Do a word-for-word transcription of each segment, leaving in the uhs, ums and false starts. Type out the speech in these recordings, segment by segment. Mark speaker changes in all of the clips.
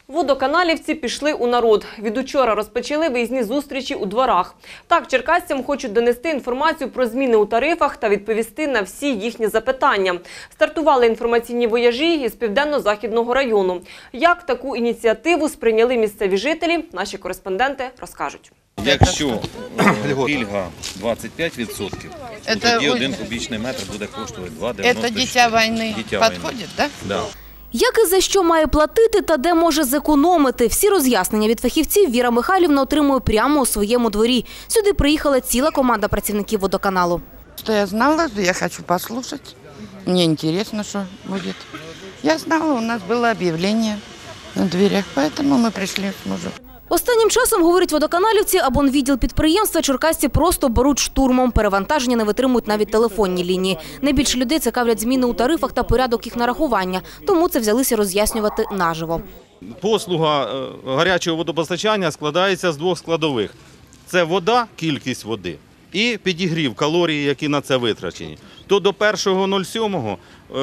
Speaker 1: Водоканалівці пішли у народ. Від учора розпочали виїзні зустрічі у дворах. Так, черкасцям хочуть донести інформацію про зміни у тарифах та відповісти на всі їхні запитання. Стартували інформаційні вояжі із Південно-Західного району. Як таку ініціативу сприйняли місцеві жителі, наші кореспонденти розкажуть.
Speaker 2: Якщо пільга двадцять п'ять відсотків, то тоді один кубічний метр буде коштувати два дев'яносто шість.
Speaker 3: Це дитя війни підходить, так?
Speaker 2: Так.
Speaker 4: Як і за що має платити та де може зекономити? Всі роз'яснення від фахівців Віра Михайлівна отримує прямо у своєму дворі. Сюди приїхала ціла команда працівників водоканалу.
Speaker 3: Що я знала, я хочу послухати. Мені цікаво, що буде. Я знала, у нас було об'явлення на дверях, тому ми прийшли з мужем.
Speaker 4: Останнім часом, говорять водоканалівці, абонвідділ підприємства черкасці просто беруть штурмом. Перевантаження не витримують навіть телефонні лінії. Найбільше людей цікавлять зміни у тарифах та порядок їх нарахування. Тому це взялися роз'яснювати наживо.
Speaker 5: Послуга гарячого водопостачання складається з двох складових. Це вода, кількість води, і підігрів, калорії, які на це витрачені. То до першого сьомого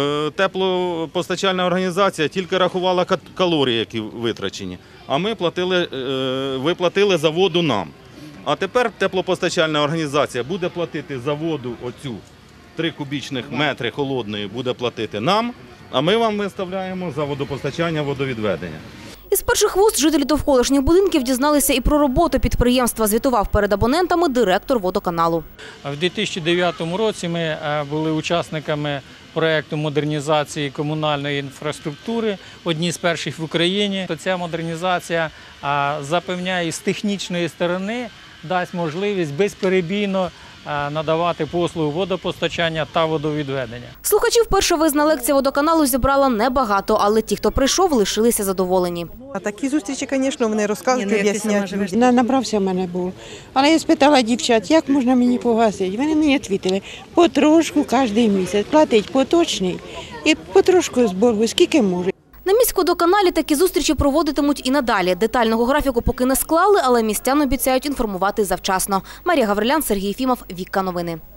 Speaker 5: теплопостачальна організація тільки рахувала калорії, які витрачені, а ми платили, ви платили за воду нам. А тепер теплопостачальна організація буде платити за воду, оцю три кубічних метри холодної буде платити нам, а ми вам виставляємо за водопостачання, водовідведення.
Speaker 4: Із перших вуст жителі довколишніх будинків дізналися і про роботу підприємства, звітував перед абонентами директор водоканалу.
Speaker 6: В дві тисячі дев'ятому році ми були учасниками проєкту модернізації комунальної інфраструктури, одні з перших в Україні. Ця модернізація запевняє, з технічної сторони дасть можливість безперебійно надавати послугу водопостачання та водовідведення.
Speaker 4: Слухачів перша виїзна лекція водоканалу зібрала небагато, але ті, хто прийшов, лишилися задоволені.
Speaker 7: А такі зустрічі, звісно, вони розказують, об'ясняють.
Speaker 8: Набрався в мене був. Але я спитала дівчат, як можна мені погасити. Вони мені відповіли, потрошку кожен місяць, платить поточний і потрошку з боргу, скільки може.
Speaker 4: На міськводоканалі такі зустрічі проводитимуть і надалі. Детального графіку поки не склали, але містян обіцяють інформувати завчасно. Марія Гаврилян, Сергій Єфімов, Вікка Новини.